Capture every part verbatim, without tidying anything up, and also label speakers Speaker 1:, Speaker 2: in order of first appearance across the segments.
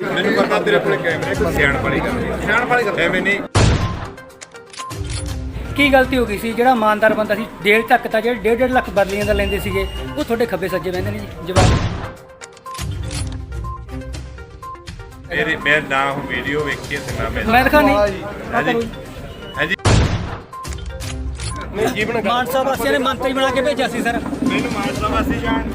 Speaker 1: ਮੈਨੂੰ ਪਤਾ ਤੇਰੇ ਕੋਲ ਕੈਮਰੇ ਕੋਈ ਸਿਆਣ ਵਾਲੀ ਗੱਲ ਨਹੀਂ ਸਿਆਣ ਵਾਲੀ ਗੱਲ ਐਵੇਂ ਨਹੀਂ।
Speaker 2: ਕੀ ਗਲਤੀ ਹੋ ਗਈ ਸੀ? ਜਿਹੜਾ ਇਮਾਨਦਾਰ ਬੰਦਾ ਸੀ ਡੇਢ ਤੱਕ ਤਾਂ ਜਿਹੜੇ ਡੇਢ ਡੇਢ ਲੱਖ ਬਰਲੀਆਂ ਦਾ ਲੈਂਦੇ ਸੀਗੇ ਉਹ ਤੁਹਾਡੇ ਖੱਬੇ ਸੱਜੇ ਬਹਿੰਦੇ ਨੇ ਜੀ। ਜਵਾਬ
Speaker 1: ਮੇਰੇ ਮੈਂ ਨਾ ਉਹ ਵੀਡੀਓ ਵੇਖੀ ਤੇ ਨਾ ਮੈਂ
Speaker 2: ਮੈਂ ਦਿਖਾ ਨਹੀਂ
Speaker 1: ਹਾਂਜੀ ਹਾਂਜੀ ਨਹੀਂ ਜੀਵਨ
Speaker 2: ਮਾਨਸਾ ਵਾਸੀਆਂ ਨੇ ਮੰਤਰੀ ਬਣਾ ਕੇ ਭੇਜਿਆ ਸੀ ਸਰ।
Speaker 1: ਮੈਨੂੰ ਮਾਨਸਾ ਵਾਸੀ ਜਾਣ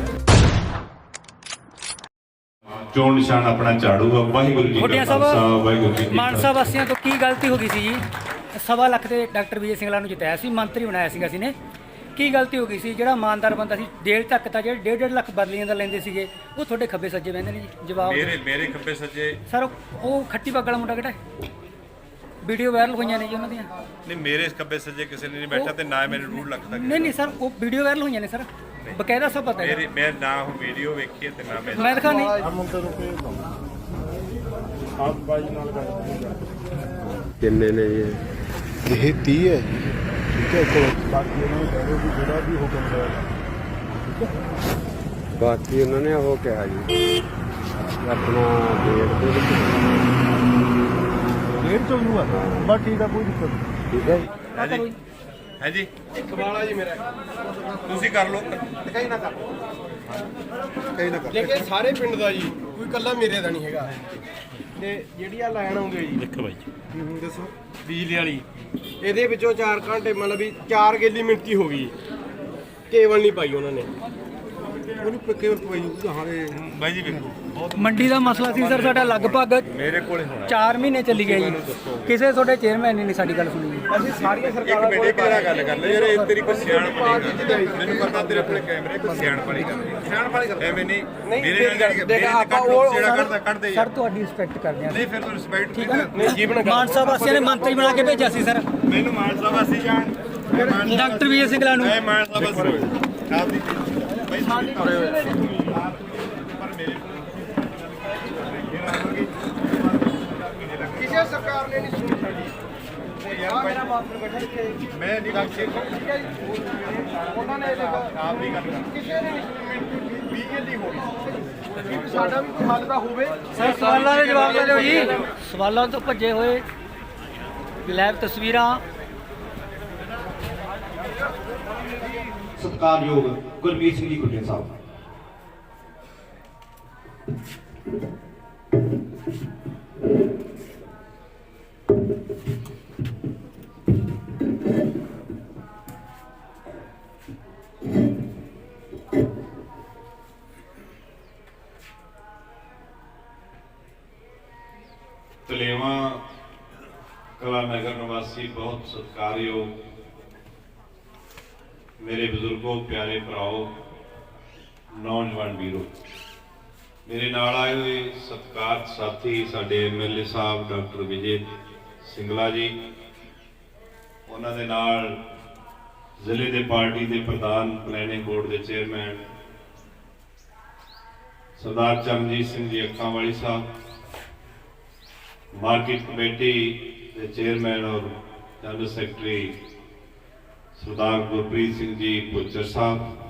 Speaker 3: ਚੋਣ ਨਿਸ਼ਾਨ ਆਪਣਾ ਝਾੜੂ ਆ। ਵਾਹਿਗੁਰੂ ਜੀ
Speaker 2: ਖੋਟੀਆਂ
Speaker 3: ਕਾ ਖਾਲਸਾ ਵਾਹਿਗੁਰੂ ਜੀ ਕੀ
Speaker 2: ਮਾਨਸਾ ਵਾਸੀਆਂ ਤੋਂ ਕੀ ਗਲਤੀ ਹੋ ਗਈ ਸੀ ਜੀ? ਸਵਾ ਲੱਖ ਤੇ ਡਾਕਟਰ ਵਿਜੇ ਸਿੰਘਲਾ ਨੂੰ ਜਿਤਾਇਆ ਸੀ, ਮੰਤਰੀ ਬਣਾਇਆ ਸੀਗਾ ਅਸੀਂ ਨੇ। ਕੀ ਗਲਤੀ ਹੋ ਗਈ ਸੀ? ਜਿਹੜਾ ਇਮਾਨਦਾਰ ਬੰਦਾ ਸੀ ਡੇਢ ਤੱਕ ਤਾਂ ਜਿਹੜੇ ਡੇਢ ਡੇਢ ਲੱਖ ਬਰਲੀਆਂ ਦਾ ਲੈਂਦੇ ਸੀਗੇ ਉਹ ਤੁਹਾਡੇ ਖੱਬੇ ਸੱਜੇ ਬਹਿੰਦੇ ਨੇ ਜੀ। ਜਵਾਬ
Speaker 1: ਮੇਰੇ ਮੇਰੇ ਖੱਬੇ ਸੱਜੇ
Speaker 2: ਸਰ ਉਹ ਖੱਟੀ ਪੱਗ ਵਾਲਾ ਮੁੰਡਾ ਕਿਹੜਾ ਹੈ? ਵੀਡੀਓ ਵਾਇਰਲ ਹੋਈਆਂ ਨੇ ਜੀ ਉਹਨਾਂ ਦੀਆਂ।
Speaker 1: ਨਹੀਂ ਮੇਰੇ ਖੱਬੇ ਸੱਜੇ ਕਿਸੇ ਨੇ ਨਹੀਂ ਬੈਠਾ ਤੇ ਨਾ ਮੈਨੂੰ ਡੂਢ ਲੱਖ ਤੱਕ
Speaker 2: ਨਹੀਂ ਨਹੀਂ ਸਰ ਉਹ ਵੀਡੀਓ ਵਾਇਰਲ ਹੋਈਆਂ ਨੇ ਸਰ, ਬਕਾਇਦਾ ਸਭ ਪਤਾ ਹੈ।
Speaker 1: ਮੇਰੇ ਮੈਂ ਨਾ ਉਹ ਵੀਡੀਓ ਵੇਖੀ ਤੇ ਨਾ ਮੈਂ
Speaker 2: ਮੈਂ ਦਿਖਾ ਨਹੀਂ
Speaker 4: ਕਿੰਨੇ ਨੇ ਜੀ?
Speaker 5: ਇਹ ਤੀਹ ਹੈ ਜੀ, ਠੀਕ ਹੈ। ਇੱਕ ਬਾਕੀ ਉਹਨਾਂ ਨੂੰ ਕਹਿ ਦਿਓ ਵੀ ਜਿਹੜਾ ਵੀ ਹੁਕਮ ਹੋਇਆ, ਠੀਕ ਹੈ।
Speaker 4: ਬਾਕੀ ਉਹਨਾਂ ਨੇ ਉਹ ਕਿਹਾ ਜੀ ਆਪਣਾ ਡੇਟ ਦੇ ਵਿੱਚ
Speaker 5: ਡੇਢ ਚੌ ਨੂੰ ਆ ਬਸ ਠੀਕ ਆ, ਕੋਈ ਦਿੱਕਤ ਨਹੀਂ,
Speaker 4: ਠੀਕ ਹੈ ਜੀ।
Speaker 1: ਹਾਂਜੀ ਹਾਂਜੀ
Speaker 5: ਕਮਾਲਾ ਜੀ ਮੇਰਾ
Speaker 1: ਤੁਸੀਂ ਕਰ ਲਓ
Speaker 5: ਕਈ ਨਾ ਕਰ ਕਈ ਨਾ ਕਰ ਲੇਕਿਨ ਸਾਰੇ ਪਿੰਡ ਦਾ ਜੀ, ਕੋਈ ਕੱਲਾ ਮੇਰੇ ਦਾ ਨਹੀਂ ਹੈਗਾ। ਤੇ ਜਿਹੜੀ ਆ ਲਾਈਨ ਆਉਂਦੀ ਜੀ,
Speaker 1: ਦੇਖੋ ਬਾਈ
Speaker 5: ਹੂੰ ਦੱਸੋ, ਬਿਜਲੀ ਵਾਲੀ, ਇਹਦੇ ਵਿੱਚੋਂ ਚਾਰ ਘੰਟੇ ਮਤਲਬ ਵੀ ਚਾਰ ਗੇਲੀ ਮਿੰਟੀ ਹੋ ਗਈ, ਕੇਵਲ ਨਹੀਂ ਪਾਈ ਉਹਨਾਂ ਨੇ। ਉਹਨੂੰ ਕੇਵਲ ਪਵਾਈ ਹਾਰੇ
Speaker 1: ਬਾਈ ਜੀ ਵੇਖੋ ਬਹੁਤ
Speaker 2: ਮੰਡੀ ਦਾ ਮਸਲਾ ਸੀ ਸਰ ਸਾਡਾ ਲਗਭਗ
Speaker 1: ਮੇਰੇ ਕੋਲੇ ਹੋਣਾ
Speaker 2: ਚਾਰ ਮਹੀਨੇ ਚੱਲੀ ਗਿਆ ਜੀ। ਕਿਸੇ ਤੁਹਾਡੇ ਚੇਅਰਮੈਨ ਨੇ ਨਹੀਂ ਸਾਡੀ ਗੱਲ ਸੁਣੀ ਜੀ।
Speaker 5: ਅਸੀਂ ਸਾਰੀਆਂ
Speaker 1: ਇੱਕ
Speaker 5: ਸਰਕਾਰਾਂ
Speaker 1: ਮਿੰਟ ਇੱਕ ਵਾਰ ਗੱਲ ਕਰ ਲੈ ਯਾਰ, ਇਹ ਤੇਰੀ ਕੋਈ ਸਿਆਣ ਵਾਲੀ ਗੱਲ। ਮੈਨੂੰ ਪਤਾ ਤੇਰੇ ਕੋਲੇ ਕੈਮਰੇ ਕੋਈ ਸਿਆਣ ਵਾਲੀ ਗੱਲ ਨਹੀਂ ਸਿਆਣ ਵਾਲੀ ਗੱਲ ਐਵੇਂ ਨਹੀਂ। ਮੇਰੇ ਨਾਲ ਦੇਖ ਆਪਾਂ ਉਹ ਜਿਹੜਾ ਕਰਦਾ ਕੱਢਦੇ
Speaker 2: ਸਰ ਤੁਹਾਡੀ ਰਿਸਪੈਕਟ ਕਰਦੇ ਹਾਂ
Speaker 1: ਨਹੀਂ ਫਿਰ ਤੂੰ ਰਿਸਪੈਕਟ
Speaker 2: ਠੀਕ ਹੈ ਨਾ।
Speaker 5: ਨਹੀਂ ਜੀਵਨ
Speaker 2: ਮਾਨਸਾ ਵਾਸੀਆਂ ਨੇ ਮੰਤਰੀ ਬਣਾ ਕੇ ਭੇਜਿਆ ਸੀ ਸਰ।
Speaker 1: ਮੈਨੂੰ ਮਾਨਸਾ ਵਾਸੀ ਜਾਣ
Speaker 2: ਡਾਕਟਰ ਵਿਜੇ ਸਿੰਘਲਾ ਨੂੰ।
Speaker 1: ਮੈਂ ਮਾਨਸਾ ਵਾਸੀ ਆਪ ਦੀ ਬਾਈ ਸਾਡੀ ਕਰੇ ਹੋਏ ਪਰ ਮੇਰੇ
Speaker 5: ਕਿਸੇ ਸਰਕਾਰ ਨੇ ਨਹੀਂ ਸੁਣੀ ਸਾਡੀ। ਯਾਰ ਮੇਰਾ ਮਾਸਟਰ ਬੈਠਾ ਇੱਥੇ,
Speaker 1: ਮੈਂ ਨਹੀਂ ਗੱਲ
Speaker 5: ਠੀਕ ਹੈ ਜੀ। ਉਹਨਾਂ ਨੇ
Speaker 1: ਆਪ ਦੀ ਗੱਲ ਕਰ
Speaker 5: ਕਿਸੇ ਨੇ ਨਹੀਂ ਵੀਹ ਗੇਲੀ ਹੋ ਗਈ, ਵੀ ਸਾਡਾ ਵੀ ਕੋਈ ਹੱਲ ਤਾਂ ਹੋਵੇ।
Speaker 2: ਸਰ ਸਵਾਲਾਂ ਦੇ ਜਵਾਬ ਦੇ ਦਿਓ ਜੀ। ਸਵਾਲਾਂ ਤੋਂ ਭੱਜੇ ਹੋਏ ਲਾਈਵ ਤਸਵੀਰਾਂ।
Speaker 6: ਸਤਿਕਾਰਯੋਗ ਗੁਰਮੀਤ ਸਿੰਘ ਜੀ ਗੁੱਡੇ ਸਾਹਿਬ,
Speaker 3: ਤਲੇਵਾਂ ਕਲਾ ਨਗਰ ਨਿਵਾਸੀ ਬਹੁਤ ਸਤਿਕਾਰਯੋਗ ਮੇਰੇ ਬਜ਼ੁਰਗੋ, ਪਿਆਰੇ ਭਰਾਓ, ਨੌਜਵਾਨ ਵੀਰੋ, ਮੇਰੇ ਨਾਲ ਆਏ ਹੋਏ ਸਤਿਕਾਰਤ ਸਾਥੀ ਸਾਡੇ ਐਮ ਐਲ ਏ ਸਾਹਿਬ ਡਾਕਟਰ ਵਿਜੇ ਸਿੰਘਲਾ ਜੀ, ਉਹਨਾਂ ਦੇ ਨਾਲ ਜ਼ਿਲ੍ਹੇ ਦੇ ਪਾਰਟੀ ਦੇ ਪ੍ਰਧਾਨ, ਪਲੈਨਿੰਗ ਬੋਰਡ ਦੇ ਚੇਅਰਮੈਨ ਸਰਦਾਰ ਚਰਨਜੀਤ ਸਿੰਘ ਜੀ ਅੱਖਾਂ ਵਾਲੀ ਸਾਹਿਬ, ਮਾਰਕੀਟ ਕਮੇਟੀ ਦੇ ਚੇਅਰਮੈਨ ਔਰ ਜਨਰਲ ਸੈਕਟਰੀ ਸਰਦਾਰ ਗੁਰਪ੍ਰੀਤ ਸਿੰਘ ਜੀ ਪੁੱਚਰ ਸਾਹਿਬ,